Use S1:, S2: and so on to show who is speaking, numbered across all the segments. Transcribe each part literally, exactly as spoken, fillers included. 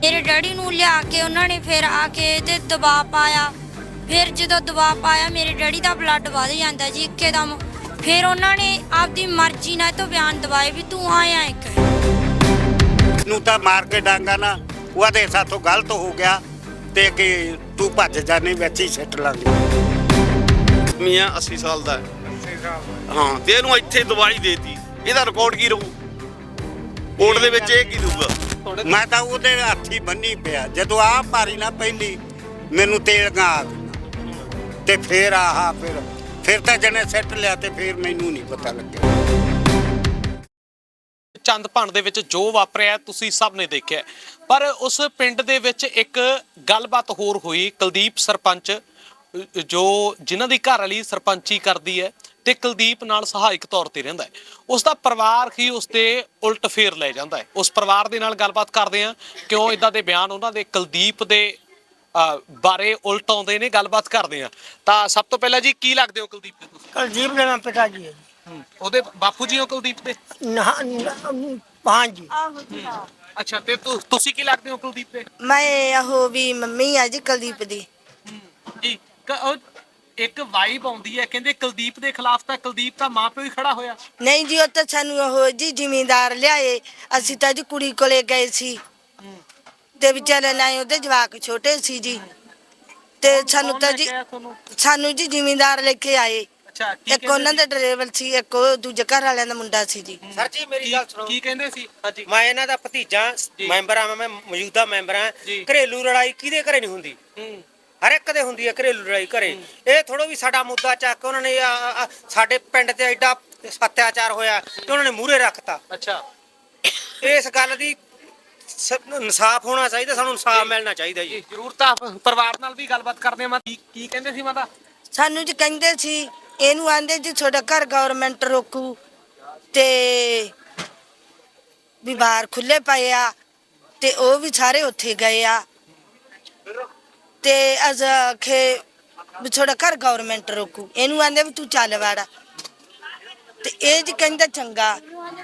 S1: ਮੇਰੇ ਡੈਡੀ ਨੂੰ ਲਿਆ ਕੇ ਉਹਨਾਂ ਨੇ ਫਿਰ ਆ ਕੇ ਤੇ ਦਬਾਅ ਪਾਇਆ। ਫਿਰ ਜਦੋਂ ਦਬਾਅ ਪਾਇਆ ਮੇਰੇ ਡੈਡੀ ਦਾ ਬਲੱਡ ਵਧ ਜਾਂਦਾ ਜੀ ਇੱਕਦਮ। ਫਿਰ ਉਹਨਾਂ ਨੇ ਆਪਦੀ ਮਰਜ਼ੀ ਨਾਲ ਤੋਂ ਬਿਆਨ ਦਵਾਏ ਵੀ ਤੂੰ ਆਇਆ ਇੱਕ
S2: ਨੂੰ ਤਾਂ ਮਾਰ ਕੇ ਡਾਂਗਾ ਨਾ ਉਹਦੇ ਸਾਥੋਂ ਗਲਤ ਹੋ ਗਿਆ ਤੇ ਕਿ ਤੂੰ ਭੱਜ ਜਾਣੇ ਵਿੱਚ ਹੀ ਸਿੱਟ ਲਾਂਗੇ।
S3: ਮੀਆਂ अस्सी ਸਾਲ ਦਾ
S2: ਅੱਸੀ ਸਾਲ
S3: ਹਾਂ ਤੇ ਇਹਨੂੰ ਇੱਥੇ ਦਵਾਈ ਦੇਤੀ, ਇਹਦਾ ਰਿਕਾਰਡ ਕੀ ਰਹੂ ਕੋਰਟ ਦੇ ਵਿੱਚ? ਇਹ ਕੀ ਦੂਗਾ?
S2: ਮੈਂ ਤਾਂ ਉਹਦੇ ਹੱਥੀ ਬੰਨੀ ਪਿਆ। ਜਦੋਂ ਆਹ ਮਾਰੀ ਨਾ ਪਹਿਲੀ ਮੈਨੂੰ ਤੇਲ ਗਾ ਆ ਗਈ ਤੇ ਫਿਰ ਆਹ ਫਿਰ ਫਿਰ ਤਾਂ ਜਣੇ ਸਿੱਟ ਲਿਆ ਤੇ ਫਿਰ ਮੈਨੂੰ ਨਹੀਂ ਪਤਾ ਲੱਗਿਆ।
S4: ਚੰਦਪਾਣ ਦੇ ਵਿੱਚ ਜੋ ਵਾਪਰਿਆ ਤੁਸੀਂ ਸਭ ਨੇ ਦੇਖਿਆ, ਪਰ ਉਸ ਪਿੰਡ ਦੇ ਵਿੱਚ ਇੱਕ ਗੱਲਬਾਤ ਹੋਰ ਹੋਈ। ਕੁਲਦੀਪ ਸਰਪੰਚ ਜੋ ਜਿਨ੍ਹਾਂ ਦੀ ਘਰ ਵਾਲੀ ਸਰਪੰਚੀ ਕਰਦੀ ਹੈ ਤੇ ਕੁਲਦੀਪ ਨਾਲ ਸਹਾਇਕ ਤੌਰ ਤੇ ਰਹਿੰਦਾ ਹੈ, ਉਸ ਦਾ ਪਰਿਵਾਰ ਹੀ ਉਸ ਤੇ ਉਲਟ ਫੇਰ ਲੈ ਜਾਂਦਾ ਹੈ। ਉਸ ਪਰਿਵਾਰ ਦੇ ਨਾਲ ਗੱਲਬਾਤ ਕਰਦੇ ਆ ਕਿਉਂ ਇਦਾਂ ਦੇ ਬਿਆਨ ਉਹਨਾਂ ਦੇ ਕੁਲਦੀਪ ਦੇ ਬਾਰੇ ਉਲਟ ਆਉਂਦੇ ਨੇ। ਗੱਲਬਾਤ ਕਰਦੇ ਆ ਤਾਂ ਸਭ ਤੋਂ ਪਹਿਲਾਂ ਜੀ ਕੀ ਲੱਗਦੇ ਹੋ ਕੁਲਦੀਪ ਦੇ ਤੁਸੀਂ?
S5: ਕੁਲਦੀਪ ਦੇ ਨਾਮ ਪਿਤਾ ਜੀ ਹੈ ਜੀ।
S4: ਉਹਦੇ ਬਾਪੂ ਜੀ ਹੋ ਕੁਲਦੀਪ ਦੇ?
S5: ਹਾਂ ਜੀ।
S4: ਅੱਛਾ, ਤੇ ਤੁਸੀਂ ਕੀ ਲੱਗਦੇ ਹੋ ਕੁਲਦੀਪ ਦੇ?
S5: ਮੈਂ ਉਹ ਵੀ ਮੰਮੀ ਆ ਜੀ ਕੁਲਦੀਪ ਦੀ
S4: ਜੀ। ਇੱਕ ਵਾਈਬ ਆਉਂਦੀ ਹੈ ਕਹਿੰਦੇ ਕੁਲਦੀਪ ਦੇ ਖਿਲਾਫ ਤਾਂ ਕੁਲਦੀਪ ਦਾ ਮਾਂ ਪਿਓ ਹੀ ਖੜਾ ਹੋਇਆ।
S5: ਨਹੀਂ ਜੀ, ਉਹ ਤਾਂ ਸਾਨੂੰ ਉਹ ਜੀ ਜ਼ਿਮੀਂਦਾਰ ਲਿਆਏ। ਅਸੀਂ ਤਾਂ ਜੀ ਕੁੜੀ ਕੋਲੇ ਗਏ ਸੀ ਤੇ ਵਿਚਾਰੇ ਨਾ ਉਹਦੇ ਜਵਾਕ ਛੋਟੇ ਸੀ ਜੀ ਤੇ ਸਾਨੂੰ ਤਾਂ ਜੀ ਸਾਨੂੰ ਜੀ ਜ਼ਿਮੀਂਦਾਰ ਲੈ ਕੇ ਆਏ।
S4: ਅੱਛਾ,
S5: ਇੱਕ ਉਹਨਾਂ ਦਾ ਡਰਾਈਵਰ ਸੀ, ਇੱਕ ਉਹ ਦੂਜੇ ਘਰ ਵਾਲਿਆਂ ਦਾ ਮੁੰਡਾ ਸੀ ਜੀ।
S6: ਸਰ ਜੀ ਮੇਰੀ ਗੱਲ ਸੁਣੋ।
S4: ਕੀ ਕਹਿੰਦੇ ਸੀ? ਹਾਂਜੀ,
S6: ਮੈਂ ਇਹਨਾਂ ਦਾ ਭਤੀਜਾ ਮੈਂਬਰ ਆ, ਮੈਂ ਮੌਜੂਦਾ ਮੈਂਬਰ ਆ। ਘਰੇਲੂ ਲੜਾਈ ਕਿਹਦੇ ਘਰੇ ਨਹੀਂ ਹੁੰਦੀ? ਹਰ ਇੱਕ ਦੇ ਹੁੰਦੀ ਹੈ ਘਰੇਲੂ ਲੜਾਈ ਘਰੇ। ਇਹ ਥੋੜੋ ਵੀ ਸਾਡਾ ਮੁੱਦਾ ਚੱਕ ਉਹਨਾਂ ਨੇ ਸਾਡੇ ਪਿੰਡ ਤੇ ਐਡਾ ਅਤਿਆਚਾਰ ਹੋਇਆ ਕਿ ਉਹਨਾਂ ਨੇ ਮੂਹਰੇ ਰੱਖਤਾ।
S4: ਅੱਛਾ,
S6: ਇਸ ਗੱਲ ਦੀ ਇਨਸਾਫ ਹੋਣਾ ਚਾਹੀਦਾ, ਸਾਨੂੰ ਇਨਸਾਫ ਮਿਲਣਾ ਚਾਹੀਦਾ ਜੀ।
S4: ਜ਼ਰੂਰ। ਤਾਂ ਪਰਿਵਾਰ ਨਾਲ ਵੀ ਗੱਲਬਾਤ ਕਰਦੇ ਆ। ਕੀ ਕਹਿੰਦੇ ਸੀ ਮਾਤਾ?
S5: ਸਾਨੂੰ ਜੀ ਕਹਿੰਦੇ ਸੀ ਇਹਨੂੰ ਆਂਦੇ ਜੀ ਤੁਹਾਡਾ ਘਰ ਗਵਰਨਮੈਂਟ ਰੋਕੂ ਤੇ ਵੀ ਬਾਹਰ ਖੁੱਲੇ ਪਏ ਆ ਤੇ ਉਹ ਵੀ ਸਾਰੇ ਉੱਥੇ ਗਏ ਆ ਤੇ ਅਜ ਆਖੇ ਵੀ ਤੁਹਾਡਾ ਘਰ ਗਵਰਨਮੈਂਟ ਰੋਕੂ। ਇਹਨੂੰ ਆਂਦੇ ਵੀ ਤੂੰ ਚੱਲ ਵਾੜਾ ਤੇ ਇਹ ਜੀ ਕਹਿੰਦਾ ਚੰਗਾ।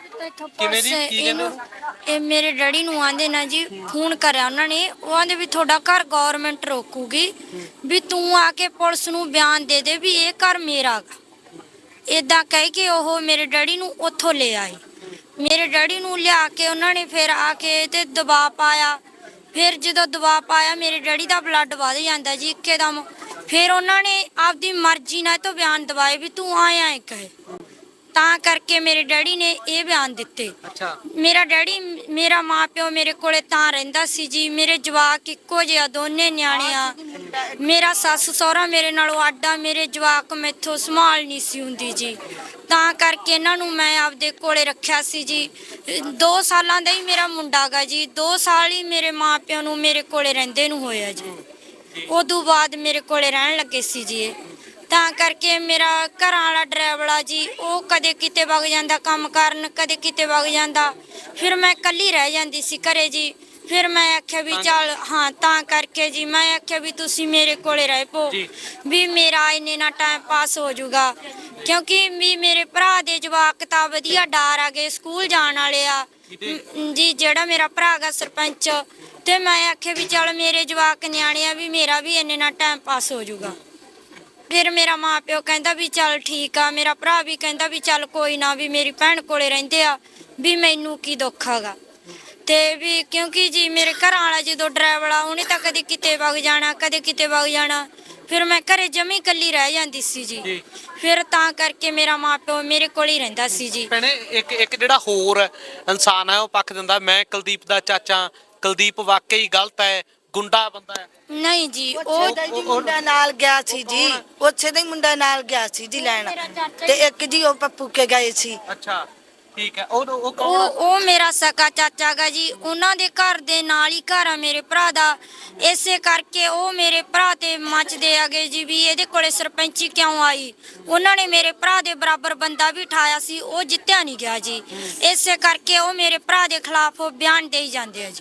S4: ਕਿਵੇਂ ਜੀ? ਕੀ ਕਹਿੰਦੇ?
S1: ਇਹ ਮੇਰੇ ਡੈਡੀ ਨੂੰ ਆਂਦੇ ਨਾ ਜੀ ਫੋਨ ਕਰਿਆ ਉਹਨਾਂ ਨੇ, ਉਹ ਆਂਦੇ ਵੀ ਤੁਹਾਡਾ ਘਰ ਗਵਰਨਮੈਂਟ ਰੋਕੂਗੀ ਵੀ ਤੂੰ ਆ ਕੇ ਪੁਲਿਸ ਨੂੰ ਬਿਆਨ ਦੇ ਦੇ ਵੀ ਇਹ ਘਰ ਮੇਰਾ ਗਾ। ਇਦਾਂ ਕਹਿ ਕੇ ਉਹ ਮੇਰੇ ਡੈਡੀ ਨੂੰ ਉੱਥੋਂ ਲੈ ਆਏ। ਮੇਰੇ ਡੈਡੀ ਨੂੰ ਲਿਆ ਕੇ ਉਹਨਾਂ ਨੇ ਫਿਰ ਆ ਕੇ ਤੇ ਦਬਾਅ ਪਾਇਆ। ਫਿਰ ਜਦੋਂ ਦਬਾਅ ਪਾਇਆ ਮੇਰੇ ਡੈਡੀ ਦਾ ਬਲੱਡ ਵਧ ਜਾਂਦਾ ਜੀ ਇੱਕਦਮ। ਫਿਰ ਉਹਨਾਂ ਨੇ ਆਪਦੀ ਮਰਜ਼ੀ ਨਾਲ ਤੋਂ ਬਿਆਨ ਦਵਾਏ ਵੀ ਤੂੰ ਆਇਆ ਇੱਕ ਹੈ। ਤਾਂ ਕਰਕੇ ਮੇਰੇ ਡੈਡੀ ਨੇ ਇਹ ਬਿਆਨ ਦਿੱਤੇ।
S4: ਅੱਛਾ,
S1: ਮੇਰਾ ਡੈਡੀ ਮੇਰਾ ਮਾਂ ਪਿਓ ਮੇਰੇ ਕੋਲੇ ਤਾਂ ਰਹਿੰਦਾ ਸੀ ਜੀ। ਮੇਰੇ ਜਵਾਕ ਇੱਕੋ ਜਿਹਾ ਦੋਨੇ ਨਿਆਣੇ ਆ। ਮੇਰਾ ਸੱਸ ਸਹੁਰਾ ਮੇਰੇ ਨਾਲੋਂ ਆਡਾ, ਮੇਰੇ ਜਵਾਕ ਮੈਥੋਂ ਸੰਭਾਲ ਨਹੀਂ ਸੀ ਹੁੰਦੀ ਜੀ। ਤਾਂ ਕਰਕੇ ਇਹਨਾਂ ਨੂੰ ਮੈਂ ਆਪਦੇ ਕੋਲੇ ਰੱਖਿਆ ਸੀ ਜੀ। ਦੋ ਸਾਲਾਂ ਦਾ ਹੀ ਮੇਰਾ ਮੁੰਡਾ ਗਾ ਜੀ। ਦੋ ਸਾਲ ਹੀ ਮੇਰੇ ਮਾਂ ਪਿਓ ਨੂੰ ਮੇਰੇ ਕੋਲੇ ਰਹਿੰਦੇ ਨੂੰ ਹੋਇਆ ਜੀ। ਉਦੋਂ ਬਾਅਦ ਮੇਰੇ ਕੋਲੇ ਰਹਿਣ ਲੱਗੇ ਸੀ ਜੀ ਇਹ। ਤਾਂ ਕਰਕੇ ਮੇਰਾ ਘਰਾਂ ਵਾਲਾ ਡਰਾਈਵਰ ਆ ਜੀ, ਉਹ ਕਦੇ ਕਿਤੇ ਵਗ ਜਾਂਦਾ ਕੰਮ ਕਰਨ, ਕਦੇ ਕਿਤੇ ਵਗ ਜਾਂਦਾ। ਫਿਰ ਮੈਂ ਇਕੱਲੀ ਰਹਿ ਜਾਂਦੀ ਸੀ ਘਰੇ ਜੀ। ਫਿਰ ਮੈਂ ਆਖਿਆ ਵੀ ਚੱਲ ਹਾਂ, ਤਾਂ ਕਰਕੇ ਜੀ ਮੈਂ ਆਖਿਆ ਵੀ ਤੁਸੀਂ ਮੇਰੇ ਕੋਲੇ ਰਹਿ ਪੋ ਵੀ ਮੇਰਾ ਇੰਨੇ ਨਾਲ ਟਾਈਮ ਪਾਸ ਹੋ ਜਾਊਗਾ। ਕਿਉਂਕਿ ਵੀ ਮੇਰੇ ਭਰਾ ਦੇ ਜਵਾਕ ਤਾਂ ਵਧੀਆ ਡਾਰ ਆ ਗਏ, ਸਕੂਲ ਜਾਣ ਵਾਲੇ ਆ ਜੀ। ਜਿਹੜਾ ਮੇਰਾ ਭਰਾ ਗਾ ਸਰਪੰਚ, ਤੇ ਮੈਂ ਆਖਿਆ ਵੀ ਚੱਲ ਮੇਰੇ ਜਵਾਕ ਨਿਆਣੇ ਆ ਵੀ ਮੇਰਾ ਵੀ ਇੰਨੇ ਨਾਲ ਟਾਈਮ ਪਾਸ ਹੋ ਜਾਊਗਾ। ਫਿਰ ਮੇਰਾ ਮਾਂ ਪਿਓ ਕਹਿੰਦਾ ਵੀ ਚੱਲ ਠੀਕ ਆ। ਮੇਰਾ ਭਰਾ ਵੀ ਕਹਿੰਦਾ ਵੀ ਚੱਲ ਕੋਈ ਨਾ ਵੀ ਮੇਰੀ ਭੈਣ ਕੋਲੇ ਰਹਿੰਦੇ ਆ ਵੀ ਮੈਨੂੰ ਕੀ ਦੁੱਖ ਹੈਗਾ। ਤੇ ਵੀ ਕਿਉਂਕਿ ਜੀ ਮੇਰੇ ਘਰਾਂ ਵਾਲਾ ਜਦੋਂ ਡਰਾਈਵਰ ਆ ਉਹਨੇ ਤਾਂ ਕਦੇ ਕਿਤੇ ਵਗ ਜਾਣਾ, ਕਦੇ ਕਿਤੇ ਵਗ ਜਾਣਾ। ਫਿਰ ਮੈਂ ਘਰੇ ਜਮੀ ਇਕੱਲੀ ਰਹਿ ਜਾਂਦੀ ਸੀ ਜੀ। ਫਿਰ ਤਾਂ ਕਰਕੇ ਮੇਰਾ ਮਾਂ ਪਿਓ ਮੇਰੇ ਕੋਲ ਹੀ ਰਹਿੰਦਾ ਸੀ ਜੀ।
S4: ਭੈਣੇ ਇੱਕ ਇੱਕ ਜਿਹੜਾ ਹੋਰ ਇਨਸਾਨ ਹੈ ਉਹ ਪੱਖ ਦਿੰਦਾ ਮੈਂ ਕੁਲਦੀਪ ਦਾ ਚਾਚਾ, ਕੁਲਦੀਪ ਵਾਕਈ ਗਲਤ ਹੈ, ਗੁੰਡਾ ਬੰਦਾ ਹੈ।
S1: ਨਹੀਂ ਜੀ,
S5: ਉਹ
S1: ਉਹ
S5: ਮੁੰਡਾ ਨਾਲ ਗਿਆ ਸੀ ਜੀ। ਉੱਥੇ ਦਾ ਹੀ ਮੁੰਡਾ ਨਾਲ ਗਿਆ ਸੀ ਜੀ ਲੈਣ ਤੇ ਇੱਕ ਜੀ ਉਹ ਪੱਪੂ ਕੇ ਗਏ ਸੀ।
S4: ਅੱਛਾ, ਠੀਕ ਹੈ। ਉਹ ਉਹ ਕੌਣ?
S1: ਉਹ ਉਹ ਮੇਰਾ ਸਕਾ ਚਾਚਾ ਗਾ ਜੀ। ਉਹਨਾਂ ਦੇ ਘਰ ਦੇ ਨਾਲ ਹੀ ਘਰ ਆ ਮੇਰੇ ਭਰਾ ਦਾ। ਇਸੇ ਕਰਕੇ ਉਹ ਮੇਰੇ ਭਰਾ ਤੇ ਮੱਚਦੇ ਆਗੇ ਜੀ ਵੀ ਇਹਦੇ ਕੋਲੇ ਸਰਪੰਚੀ ਕਿਉਂ ਆਈ। ਉਹਨਾਂ ਨੇ ਮੇਰੇ ਭਰਾ ਦੇ ਬਰਾਬਰ ਬੰਦਾ ਵੀ ਠਾਇਆ ਸੀ, ਉਹ ਜਿੱਤਿਆ ਨਹੀਂ ਗਿਆ ਜੀ। ਇਸੇ ਕਰਕੇ ਉਹ ਮੇਰੇ ਭਰਾ ਦੇ ਖਿਲਾਫ ਬਿਆਨ ਦੇਈ ਜਾਂਦੇ ਆ ਜੀ।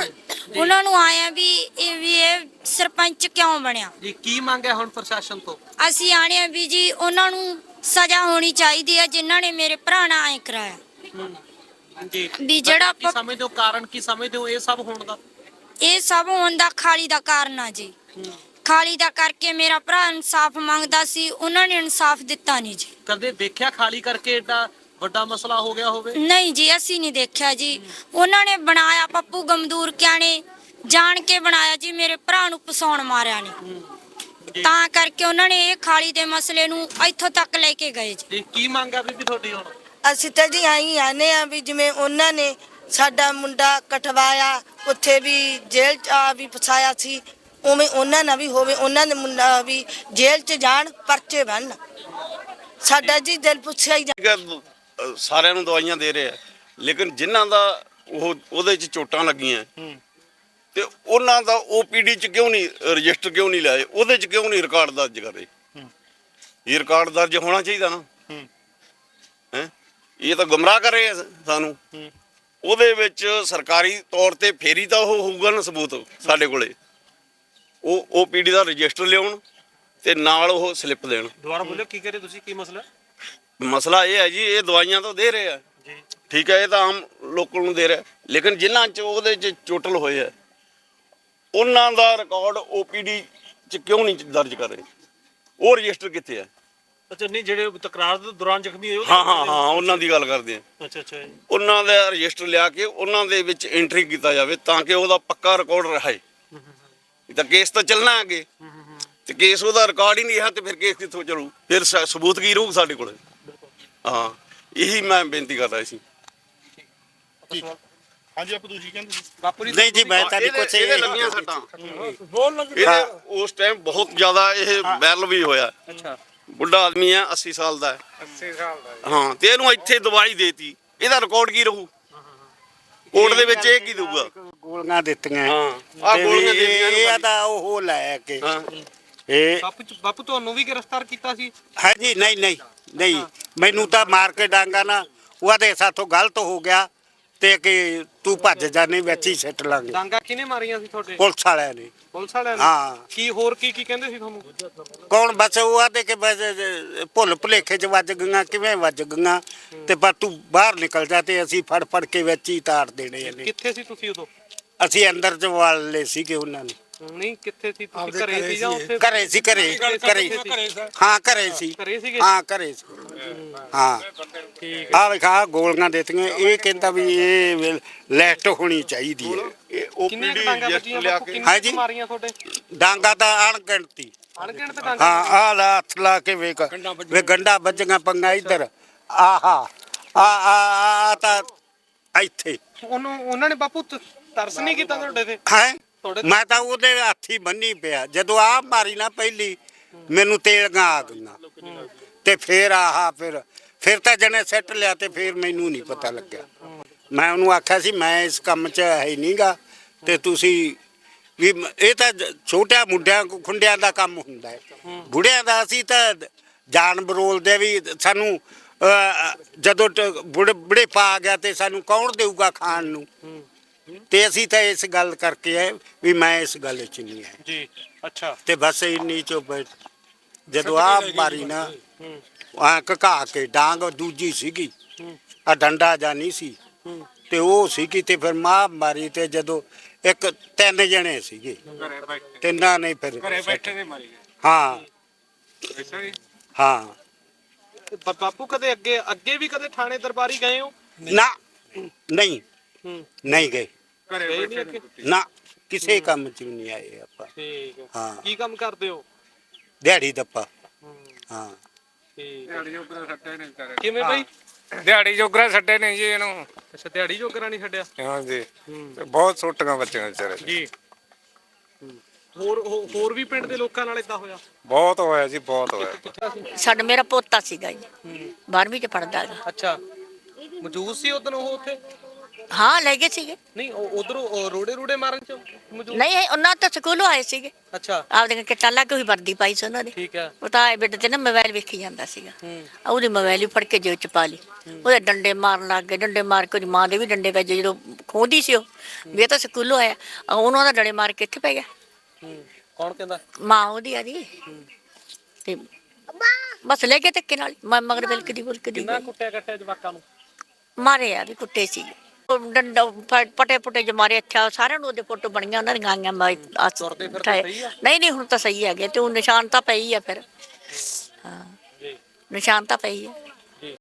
S1: ਉਹਨਾਂ ਨੂੰ ਆਇਆ ਵੀ ਇਹ ਵੀ ਇਹ ਸਰਪੰਚ ਕਿਉਂ ਬਣਿਆ
S4: ਜੀ। ਕੀ ਮੰਗਿਆ ਹੁਣ ਪ੍ਰਸ਼ਾਸਨ ਤੋਂ?
S1: ਅਸੀਂ ਆਣੇ ਆ ਵੀ ਜੀ ਉਹਨਾਂ ਨੂੰ ਸਜ਼ਾ ਹੋਣੀ ਚਾਹੀਦੀ ਹੈ ਜਿਨ੍ਹਾਂ ਨੇ ਮੇਰੇ ਭਰਾ ਨਾਲ ਐ ਕਰਾਇਆ
S4: ਜੀ।
S1: ਵੀ ਜਿਹੜਾ
S4: ਕੀ ਸਮਝਦੇ ਹੋ ਕਾਰਨ, ਕੀ ਸਮਝਦੇ ਹੋ ਇਹ ਸਭ ਹੋਣ ਦਾ?
S1: ਇਹ ਸਭ ਹੋਣ ਦਾ ਖਾਲੀ ਦਾ ਕਾਰਨ ਆ ਜੀ। ਖਾਲੀ ਦਾ ਕਰਕੇ ਮੇਰਾ ਭਰਾ ਇਨਸਾਫ ਮੰਗਦਾ ਸੀ, ਉਹਨਾਂ ਨੇ ਇਨਸਾਫ ਦਿੱਤਾ ਨਹੀਂ ਜੀ।
S4: ਕਦੇ ਦੇਖਿਆ ਖਾਲੀ ਕਰਕੇ ਏਡਾ ਵੱਡਾ ਮਸਲਾ ਹੋ ਗਿਆ ਹੋਵੇ?
S1: ਨਹੀਂ ਜੀ, ਅਸੀਂ ਨਹੀਂ ਦੇਖਿਆ ਜੀ। ਉਹਨਾਂ ਨੇ ਬਣਾਇਆ, ਪੱਪੂ ਗਮਦੂਰ ਕਿਆ ਨੇ ਜਾਣ ਕੇ ਬਣਾਇਆ ਜੀ, ਮੇਰੇ ਭਰਾ ਨੂੰ ਫਸਾਉਣ ਮਾਰਿਆ ਨੇ। ਤਾਂ ਕਰਕੇ ਉਹਨਾਂ ਨੇ ਇਹ ਖਾਲੀ ਦੇ ਮਸਲੇ ਨੂੰ ਇੱਥੋਂ ਤੱਕ ਲੈ ਕੇ ਗਏ ਜੀ।
S4: ਜੀ ਕੀ ਮੰਗ ਆ ਬੀਬੀ ਤੁਹਾਡੀ ਹੁਣ?
S5: ਅਸੀਂ ਤਾਂ ਜੀ ਆਈ ਆਨੇ ਆ ਵੀ ਜਿਵੇਂ ਉਹਨਾਂ ਨੇ ਸਾਡਾ ਮੁੰਡਾ ਕਟਵਾਇਆ, ਉੱਥੇ ਵੀ ਜੇਲ੍ਹ ਚ ਆ ਵੀ ਫਸਾਇਆ ਸੀ, ਉਵੇਂ ਉਹਨਾਂ ਨਾਲ ਵੀ ਹੋਵੇ, ਉਹਨਾਂ ਦੇ ਮੁੰਡਾ ਵੀ ਜੇਲ੍ਹ ਚ ਜਾਣ, ਪਰਚੇ ਬਣਨ। ਸਾਡਾ ਜੀ ਦਿਲ ਪੁੱਛਿਆ ਹੀ
S3: ਠੀਕ ਹੈ, ਅਹ ਸਾਰਿਆਂ ਨੂੰ ਦਵਾਈਆਂ ਦੇ ਰਹੇ ਆ, ਲੇਕਿਨ ਜਿਨ੍ਹਾਂ ਦਾ ਉਹ ਉਹਦੇ 'ਚ ਚੋਟਾਂ ਲੱਗੀਆਂ ਤੇ ਉਹਨਾਂ ਦਾ ਓਪੀਡੀ 'ਚ ਕਿਉਂ ਨਹੀਂ ਰਜਿਸਟਰ ਕਿਉਂ ਨਹੀਂ ਲਾਏ, ਉਹਦੇ 'ਚ ਕਿਉਂ ਨਹੀਂ ਰਿਕਾਰਡ ਦਰਜ ਕਰੇ? ਇਹ ਰਿਕਾਰਡ ਦਰਜ ਹੋਣਾ ਚਾਹੀਦਾ ਨਾ। ਹੈ ਇਹ ਤਾਂ ਗੁੰਮਰਾਹ ਕਰ ਰਹੇ ਆ ਸਾਨੂੰ। ਉਹਦੇ ਵਿੱਚ ਸਰਕਾਰੀ ਤੌਰ ਤੇ ਫੇਰੀ ਤਾਂ ਉਹ ਹੋਊਗਾ ਨਾ ਸਬੂਤ ਸਾਡੇ ਕੋਲੇ। ਉਹ ਓਪੀਡੀ ਦਾ ਰਜਿਸਟਰ ਲਿਆਉਣ ਤੇ ਨਾਲ ਉਹ ਸਲਿੱਪ ਦੇਣ।
S4: ਦੁਬਾਰਾ ਬੋਲਿਓ, ਕੀ ਕਰੇ ਤੁਸੀਂ, ਕੀ ਮਸਲਾ?
S3: ਮਸਲਾ ਇਹ ਹੈ ਜੀ, ਇਹ ਦਵਾਈਆਂ ਤਾਂ ਦੇ ਰਹੇ ਆ ਜੀ, ਠੀਕ ਹੈ, ਇਹ ਤਾਂ ਆਮ ਲੋਕਾਂ ਨੂੰ ਦੇ ਰਿਹਾ, ਲੇਕਿਨ ਜਿਨ੍ਹਾਂ 'ਚ ਉਹਦੇ 'ਚ ਚੋਟਲ ਹੋਏ ਆ ਉਹਨਾਂ ਦਾ ਰਿਕਾਰਡ ਓਪੀਡੀ 'ਚ ਕਿਉਂ ਨਹੀਂ ਦਰਜ ਕਰ ਰਹੇ? ਉਹ ਰਜਿਸਟਰ ਕਿੱਥੇ ਆ?
S4: ਅੱਛਾ, ਨਹੀਂ ਜਿਹੜੇ ਤਕਰਾਰ ਦੇ ਦੌਰਾਨ ਜ਼ਖਮੀ ਹੋਏ?
S3: ਹਾਂ ਹਾਂ ਹਾਂ ਉਹਨਾਂ ਦੀ ਗੱਲ ਕਰਦੇ ਆ।
S4: ਅੱਛਾ ਅੱਛਾ,
S3: ਉਹਨਾਂ ਦਾ ਰਜਿਸਟਰ ਲਿਆ ਕੇ ਉਹਨਾਂ ਦੇ ਵਿੱਚ ਐਂਟਰੀ ਕੀਤਾ ਜਾਵੇ ਤਾਂ ਕਿ ਉਹਦਾ ਪੱਕਾ ਰਿਕਾਰਡ ਰਹੇ। ਤਾਂ ਕੇਸ ਤਾਂ ਚੱਲਣਾ ਅੱਗੇ, ਤੇ ਕੇਸ ਉਹਦਾ ਰਿਕਾਰਡ ਹੀ ਨਹੀਂ ਹੈ ਤੇ ਫਿਰ ਕੇਸ ਕਿੱਥੋਂ ਚੱਲੂ? ਫਿਰ ਸ- ਸਬੂਤ ਕੀ ਰਹੂ ਸਾਡੇ ਕੋਲ? ਹਾਂ, ਇਹੀ ਮੈਂ ਬੇਨਤੀ ਕਰਦਾ ਸੀ।
S7: ਹਾਂਜੀ ਆਪ ਤੁਸੀਂ ਕਹਿੰਦੇ ਸੀ
S4: ਬਾਪੂ ਜੀ
S2: ਨਹੀਂ ਜੀ, ਮੈਂ ਤਾਂ ਨਹੀਂ ਕੁਛ
S3: ਇਹਦੇ ਲੱਗੀਆਂ ਸੱਟਾਂ। ਇਹਦੇ ਉਸ ਟਾਈਮ ਬਹੁਤ ਜ਼ਿਆਦਾ ਇਹ ਵਾਇਰਲ ਵੀ ਹੋਇਆ।
S4: ਅੱਛਾ,
S3: ਬੁੱਢਾ ਆਦਮੀ ਆ, ਅੱਸੀ ਸਾਲ ਦਾ
S7: ਅੱਸੀ ਸਾਲ ਦਾ
S3: ਹਾਂ, ਤੇ ਇਹਨੂੰ ਇੱਥੇ ਦਵਾਈ ਦੇਤੀ, ਇਹਦਾ ਰਿਕਾਰਡ ਕੀ ਰਹੂ? ਕੋਰਟ ਦੇ ਵਿੱਚ ਇਹ ਕੀ ਦਊਗਾ?
S2: ਗੋਲੀਆਂ ਦਿੱਤੀਆਂ।
S3: ਹਾਂ, ਆਹ
S2: ਤੇ
S3: ਗੋਲੀਆਂ
S2: ਵੀ
S3: ਦਿੱਤੀਆਂ ਇਹਨੂੰ।
S2: ਇਹ ਤਾਂ ਉਹ ਲੈ ਕੇ
S3: ਹਾਂ,
S2: ਇਹ
S4: ਬਾਪੂ ਬਾਪੂ ਤੁਹਾਨੂੰ ਵੀ ਗ੍ਰਿਫਤਾਰ ਕੀਤਾ ਸੀ?
S2: ਹਾਂਜੀ, ਨਹੀਂ ਨਹੀਂ ਨਹੀਂ, ਮੈਨੂੰ ਤਾਂ ਮਾਰ ਕੇ ਡਾਂਗਾ ਨਾ, ਉਹਦੇ ਸਾਥੋਂ ਗਲਤ ਹੋ ਗਿਆ ਤੇ ਕਿ ਤੂੰ ਭੱਜ ਜਾਨੇ, ਵਿੱਚ ਹੀ ਸਿੱਟ ਲਾਂਗੇ।
S4: ਡਾਂਗਾ ਕਿਹਨੇ ਮਾਰੀਆਂ ਸੀ ਤੁਹਾਡੇ?
S2: ਪੁਲਿਸ ਵਾਲਿਆਂ ਨੇ।
S4: ਪੁਲਿਸ ਵਾਲਿਆਂ ਨੇ?
S2: ਹਾਂ।
S4: ਕੀ ਹੋਰ ਕੀ ਕੀ ਕਹਿੰਦੇ ਸੀ ਤੁਹਾਨੂੰ?
S2: ਕੌਣ ਬਸ ਉਹ ਆਦੇ ਕਿ ਬਸ ਭੁੱਲ ਭੁਲੇਖੇ ਚ ਵੱਜ ਗਈਆਂ, ਕਿਵੇਂ ਵੱਜ ਗਈਆਂ, ਤੇ ਪਰ ਤੂੰ ਬਾਹਰ ਨਿਕਲ ਜਾ ਤੇ ਅਸੀਂ ਫੜ ਫੜ ਕੇ ਵਿੱਚ ਹੀ ਤਾਰ ਦੇਣੇ ਨੇ।
S4: ਕਿੱਥੇ ਸੀ ਤੁਸੀਂ ਉਦੋਂ?
S2: ਅਸੀਂ ਅੰਦਰ ਚ ਵਾਲ ਲਏ ਸੀਗੇ ਉਹਨਾਂ ਨੇ।
S4: ਨਹੀਂ, ਕਿੱਥੇ ਸੀ ਤੁਸੀਂ? ਘਰੇ ਸੀ ਜਾਂ ਉੱਥੇ?
S2: ਘਰੇ ਸੀ, ਘਰੇ ਘਰੇ ਹਾਂ, ਘਰੇ ਸੀ।
S4: ਘਰੇ ਸੀਗੇ?
S2: ਹਾਂ, ਘਰੇ ਸੀ। ਹਾਂ,
S4: ਠੀਕ
S2: ਆ ਵੇਖਾ ਗੋਲੀਆਂ ਦਿੱਤੀਆਂ। ਇਹ ਕਹਿੰਦਾ ਵੀ ਇਹ ਲੈਫਟ ਹੋਣੀ ਚਾਹੀਦੀ ਹੈ।
S3: ਇਹ
S4: ਕਿੰਨੀਆਂ
S3: ਓਪੀਡੀ
S4: ਕੁ ਡਾਂਗਾਂ
S3: ਰਜਿਸਟਰ
S4: ਵੱਜੀਆਂ
S3: ਲਿਆ
S4: ਬਾਪੂ?
S3: ਕੇ
S4: ਕਿੰਨੀਆਂ
S2: ਹਾਂਜੀ।
S4: ਕੁ ਮਾਰੀਆਂ ਤੁਹਾਡੇ?
S2: ਡਾਂਗਾ ਤਾਂ ਅਣਗਿਣਤੀ।
S4: ਅਣਗਿਣਤ ਡਾਂਗਾਂ?
S2: ਹਾਂ, ਆ ਲਾ ਹੱਥ ਲਾ ਕੇ ਵੇਖ ਵੇ ਗੰਡਾ ਵੱਜੀਆਂ ਪੰਗਾ ਇੱਧਰ। ਆਹਾ ਆ ਆ ਆ ਤਾਂ ਇੱਥੇ
S4: ਉਹਨੂੰ ਉਹਨਾਂ ਨੇ ਬਾਪੂ ਤ- ਤਰਸ ਨਹੀਂ ਕੀਤਾ ਤੁਹਾਡੇ ਤੇ?
S2: ਹੈ।
S4: ਤੁਹਾਡੇ
S2: ਮੈਂ ਤਾਂ ਉਹਦੇ ਹੱਥੀ ਬੰਨੀ ਪਿਆ। ਜਦੋਂ ਆ ਮਾਰੀ ਨਾ ਪਹਿਲੀ, ਮੈਨੂੰ ਤੇਲਗਾ ਆ ਗਈਆਂ ਤੇ ਫਿਰ ਆਹਾ ਫਿਰ ਫਿਰ ਤਾਂ ਜਣੇ ਸੈੱਟ ਲਿਆ ਤੇ ਫਿਰ ਮੈਨੂੰ ਨਹੀਂ ਪਤਾ ਲੱਗਿਆ। ਮੈਂ ਉਹਨੂੰ ਆਖਿਆ ਸੀ ਮੈਂ ਇਸ ਕੰਮ 'ਚ ਹੈ ਨਹੀਂਗਾ ਤੇ ਤੁਸੀਂ ਵੀ ਮ- ਇਹ ਤਾਂ ਜ- ਛੋਟਿਆਂ ਮੁੰਡਿਆਂ ਖੁੰਡਿਆਂ ਦਾ ਕੰਮ ਹੁੰਦਾ ਹੈ। ਬੁੜਿਆਂ ਦਾ ਅਸੀਂ ਤਾਂ ਜਾਨ ਬਰੋਲਦੇ ਵੀ ਸਾਨੂੰ ਅਹ, ਜਦੋਂ ਟ- ਬੁੜੇ ਬੁੜੇ ਪਾ ਗਿਆ ਤੇ ਸਾਨੂੰ ਕੌਣ ਦੇਊਗਾ ਖਾਣ ਨੂੰ? ਤੇ ਅਸੀਂ ਤਾਂ ਇਸ ਗੱਲ ਕਰਕੇ ਹੈ ਵੀ ਮੈਂ ਇਸ ਗੱਲ 'ਚ ਨਹੀਂ ਹੈ
S4: ਜੀ। ਅੱਛਾ,
S2: ਤੇ ਬਸ ਇੰਨੀ ਚੋ ਬੈਠ ਜਦੋਂ ਆ ਮਾਰੀ ਨਾ ਆ ਘਕਾ ਕੇ ਡਾਂਗ ਦੂਜੀ ਸੀਗੀ, ਆ ਡੰਡਾ ਜਾਂ ਨਹੀਂ ਸੀ ਤੇ ਉਹ ਸੀਗੀ ਤੇ ਫਿਰ ਮਾਂ ਮਾਰੀ ਤੇ ਜਦੋਂ ਇੱਕ ਤਿੰਨ ਜਣੇ ਸੀਗੇ, ਤਿੰਨਾਂ ਨੇ ਫਿਰ
S7: ਘਰੇ ਬੈਠੇ ਨੇ ਮਾਰੀ
S2: ਹਾਂ
S7: ਅੱਛਾ ਜੀ
S2: ਹਾਂ
S4: ਬਾ- ਬਾਪੂ ਕਦੇ ਅੱਗੇ ਅੱਗੇ ਵੀ ਕਦੇ ਥਾਣੇ ਦਰਬਾਰੀ ਗਏ ਹੋ?
S2: ਨਾ ਨਹੀਂ
S4: ਹੂੰ,
S2: ਨਹੀਂ ਗਏ
S7: ਘਰੇ
S4: ਗਏ
S7: ਬੈਠੇ
S4: ਨਹੀਂ
S7: ਨੇ
S4: ਅੱਗੇ?
S2: ਨਾ, ਕਿਸੇ ਕੰਮ 'ਚ ਵੀ ਨਹੀਂ ਆਏ ਆਪਾਂ।
S4: ਠੀਕ ਹੈ।
S2: ਹਾਂ।
S4: ਕੀ ਕੰਮ ਕਰਦੇ ਹੋ?
S2: ਦਿਹਾੜੀ ਦੱਪਾ।
S4: ਹੂੰ,
S2: ਹਾਂ,
S4: ਠੀਕ ਹੈ।
S7: ਦਿਹਾੜੀ ਜੋਗਰਾ ਛੱਡੇ ਨੇ ਵਿਚਾਰੇ
S4: ਕਿਵੇਂ ਬਈ?
S7: ਦਿਹਾੜੀ ਜੋਗਰਾ ਛੱਡੇ ਨੇ ਜੀ ਇਹਨੂੰ
S4: ਅੱਛਾ, ਦਿਹਾੜੀ ਜੋਗਰਾ ਨਹੀਂ ਛੱਡਿਆ?
S7: ਹਾਂਜੀ
S4: ਹੂੰ,
S7: ਤੇ ਬਹੁਤ ਸੁੱਟੀਆਂ ਬੱਚਿਆਂ ਵਿਚਾਰੇ ਦੀਆਂ।
S4: ਜੀ। ਹੋਰ ਹੋ- ਹੋਰ ਵੀ ਪਿੰਡ ਦੇ ਲੋਕਾਂ ਨਾਲ ਇਦਾਂ ਹੋਇਆ?
S7: ਬਹੁਤ ਹੋਇਆ ਜੀ, ਬਹੁਤ ਹੋਇਆ।
S8: ਸਾਡਾ ਮੇਰਾ ਪੋਤਾ ਸੀਗਾ ਜੀ, ਬਾਰਵੀਂ ਚ ਪੜਦਾ ਹੈਗਾ।
S4: ਅੱਛਾ, ਮੌਜੂਦ ਸੀ ਉਦੋਂ ਉਹ ਉੱਥੇ?
S8: ਹਾਂ ਲੈ ਗਏ ਸੀਗੇ।
S4: ਨਹੀਂ, ਉਧਰੋਂ ਰੋੜੇ ਰੂੜੇ ਮਾਰਨ ਚ ਮੌਜੂਦ?
S8: ਨਹੀਂ ਇਹ ਉਹਨਾਂ ਤਾਂ ਸਕੂਲੋਂ ਆਏ ਸੀਗੇ,
S4: ਅੱਛਾ,
S8: ਆਪਦੇ ਕਿੱਟਾਂ ਲਾ ਕੇ ਉਹੀ ਵਰਦੀ ਪਾਈ ਸੀ ਉਹਨਾਂ ਨੇ।
S4: ਠੀਕ ਹੈ।
S8: ਉਹ ਤਾਂ ਆਏ ਬੇਟੇ ਤੇ ਨਾ ਮੋਬਾਈਲ ਵੇਖੀ ਜਾਂਦਾ ਸੀਗਾ,
S4: ਹੂੰ,
S8: ਆ ਉਹਦੀ ਮੋਬਾਈਲ ਹੀ ਫੜ ਕੇ ਜੇਬ ਚ ਪਾ ਲਈ। ਉਹਦੇ ਡੰਡੇ ਮਾਰਨ ਲੱਗ ਗਏ, ਡੰਡੇ ਮਾਰ ਕੇ ਉਹਦੀ ਮਾਂ ਦੇ ਵੀ ਡੰਡੇ ਵੱਜੇ ਜਦੋਂ ਖੋਦੀ ਸੀ ਉਹ ਵੀ ਇਹ ਤਾਂ ਸਕੂਲੋਂ ਆਇਆ। ਆ ਉਹਨਾਂ ਦਾ ਡੰਡੇ ਮਾਰ ਕੇ ਇੱਥੇ ਪੈ ਗਿਆ।
S4: ਹੂੰ। ਕੌਣ ਕਹਿੰਦਾ?
S8: ਮਾਂ ਉਹਦੀ ਆ ਜੀ ਤੇ ਬਸ ਲੈ ਕੇ ਧੱਕੇ ਨਾਲ ਮੈਂ ਮਗਰ ਬਿਲਕਦੀ ਬੁਲਕਦੀ
S4: ਕਿੰਨਾ ਕੁੱਟਿਆ ਕੱਟਿਆ ਜਵਾਕਾਂ ਨੂੰ?
S8: ਮਾਰੇ ਆ ਵੀ ਕੁੱਟੇ ਸੀ। ਡੰਡਾ ਪ- ਪਟੇ ਪੁਟੇ ਜ ਮਾਰੇ ਅੱਛਾ ਸਾਰਿਆਂ ਨੂੰ ਉਹਦੇ ਫੋਟੋ ਬਣੀਆਂ ਉਹਨਾਂ ਦੀਆਂ ਆਈਆਂ ਮੈਂ ਆਹ
S4: ਤੁਰਦੇ ਫਿਰਦੇ
S8: ਠਾਏ-
S4: ਸਹੀ ਆ?
S8: ਨਹੀਂ ਨਹੀਂ ਹੁਣ ਤਾਂ ਸਹੀ ਹੈਗੇ ਤੇ ਉਹ ਨਿਸ਼ਾਨ ਤਾਂ ਪਈ ਆ ਫਿਰ ਹਾਂ
S4: ਜੀ
S8: ਨਿਸ਼ਾਨ ਤਾਂ ਪਈ ਆ